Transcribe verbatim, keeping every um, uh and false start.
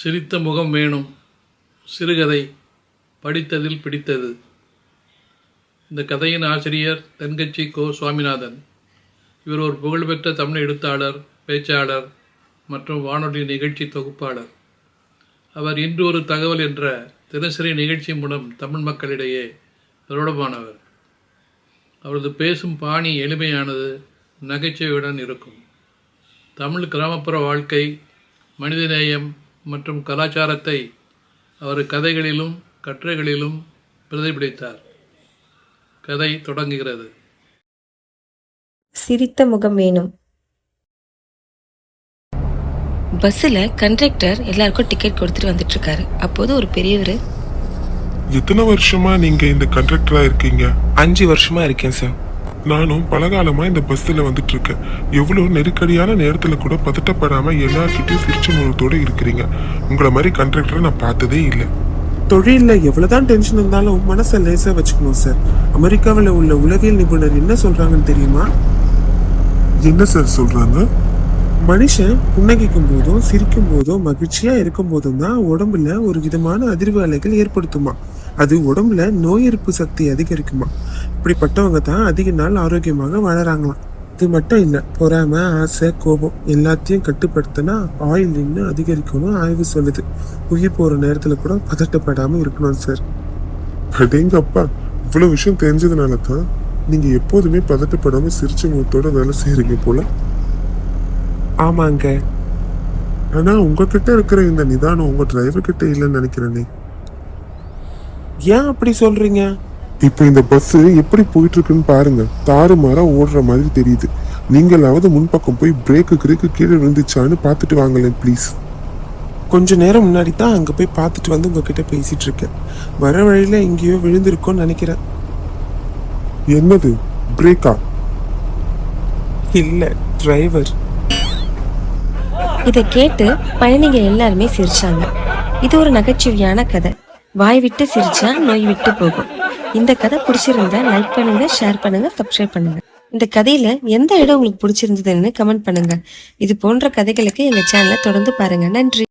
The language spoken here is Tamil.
சிரித்த முகம் வேணும். சிறுகதை படித்ததில் பிடித்தது. இந்த கதையின் ஆசிரியர் தென்கட்சி கோ சுவாமிநாதன். இவர் ஒரு புகழ்பெற்ற தமிழ் எழுத்தாளர், பேச்சாளர் மற்றும் வானொலி நிகழ்ச்சி தொகுப்பாளர். அவர் இன்று ஒரு தகவல் என்ற தினசரி நிகழ்ச்சி மூலம் தமிழ் மக்களிடையே பிரபலமானவர். அவரது பேசும் பாணி எளிமையானது, நகைச்சுவையுடன் இருக்கும். தமிழ் கிராமப்புற வாழ்க்கை, மனிதநேயம் மற்றும் கலாச்சாரத்தை அவர் கதைகளிலும் கட்டுரைகளிலும் பிரதிபலித்தார். கதை தொடங்குகிறது. சிரித்த முகம் வேணும். பஸ்ஸில் கண்டக்டர் எல்லாருக்கும் டிக்கெட் கொடுத்துட்டு வந்துட்டு இருக்காரு. அப்போது ஒரு பெரியவர், எத்தனை வருஷமா நீங்க இந்த கண்டக்டரா இருக்கீங்க? அஞ்சு வருஷமா இருக்கேன் சார். நானும் பலகாலமா இந்த பஸ்ல வந்துட்டு இருக்கேன். எவ்வளவு நெருக்கடியான நேரத்துல கூட பதட்டப்படாம எல்லார்கிட்டயும் சிரிச்ச முகத்தோட இருக்கிறீங்க. உங்களை மாதிரி கண்டக்டரை நான் பார்த்ததே இல்லை. தொழில எவ்வளவுதான் டென்ஷன் இருந்தாலும் மனசை லேசா வச்சுக்கணும் சார். அமெரிக்காவில் உள்ள உளவியல் நிபுணர் என்ன சொல்றாங்கன்னு தெரியுமா? என்ன சார் சொல்றாங்க? மனுஷன் புன்னகைக்கும் போதும் சிரிக்கும் போதும் மகிழ்ச்சியா இருக்கும் போதும் தான் உடம்புல ஒரு விதமான அதிர்வு அலைகள் ஏற்படுத்துமா. அது உடம்புல நோய் எதிர்ப்பு சக்தி அதிகரிக்குமா. இப்படிப்பட்டவங்க தான் அதிக நாள் ஆரோக்கியமாக வாழறாங்களாம். இது மட்டும் இல்லை, பொறாமை, ஆசை, கோபம் எல்லாத்தையும் கட்டுப்படுத்தினா ஆயுள் இன்னும் அதிகரிக்கணும் ஆய்வு சொல்லுது. உயிர் போற நேரத்துல கூட பதட்டப்படாம இருக்கணும் சார். அடேங்க அப்பா, இவ்வளவு விஷயம் தெரிஞ்சதுனால தான் நீங்க எப்போதுமே பதட்டப்படாம சிரிச்ச முகத்தோட வேலை செய்யறீங்க போல. ஆமாங்க. ஆனா உங்ககிட்ட இருக்கிற இந்த நிதானம் உங்க டிரைவர் கிட்ட இல்லைன்னு நினைக்கிறேனே. ஏன் அப்படி சொல்றீங்க? இப்ப இந்த பஸ் எப்படி போயிட்டு இருக்குன்னு பாருங்க. தாறுமாறா ஓடுற மாதிரி தெரியுது. நீங்களாவது முன்பக்கம் போய் பிரேக்கு கிரேக்கு கீழே விழுந்துச்சான்னு பார்த்துட்டு வாங்களேன் ப்ளீஸ். கொஞ்ச நேரம் முன்னாடி தான் அங்க போய் பார்த்துட்டு வந்து உங்ககிட்ட பேசிட்டு இருக்கேன். வர வழியில எங்கேயோ விழுந்திருக்கோன்னு நினைக்கிறேன். என்னது பிரேக்கா? இல்ல, டிரைவர். இதை கேட்டு பயணிகள் எல்லாருமே சிரிச்சாங்க. இது ஒரு நகைச்சுவையான கதை. வாய் விட்டு சிரிச்சா நோய் விட்டு போகும். இந்த கதை பிடிச்சிருந்தா லைக் பண்ணுங்க, ஷேர் பண்ணுங்க, சப்ஸ்கிரைப் பண்ணுங்க. இந்த கதையில எந்த இடம் உங்களுக்கு பிடிச்சிருந்ததுன்னு கமெண்ட் பண்ணுங்க. இது போன்ற கதைகளுக்கு எங்க சேனலை தொடர்ந்து பாருங்க. நன்றி.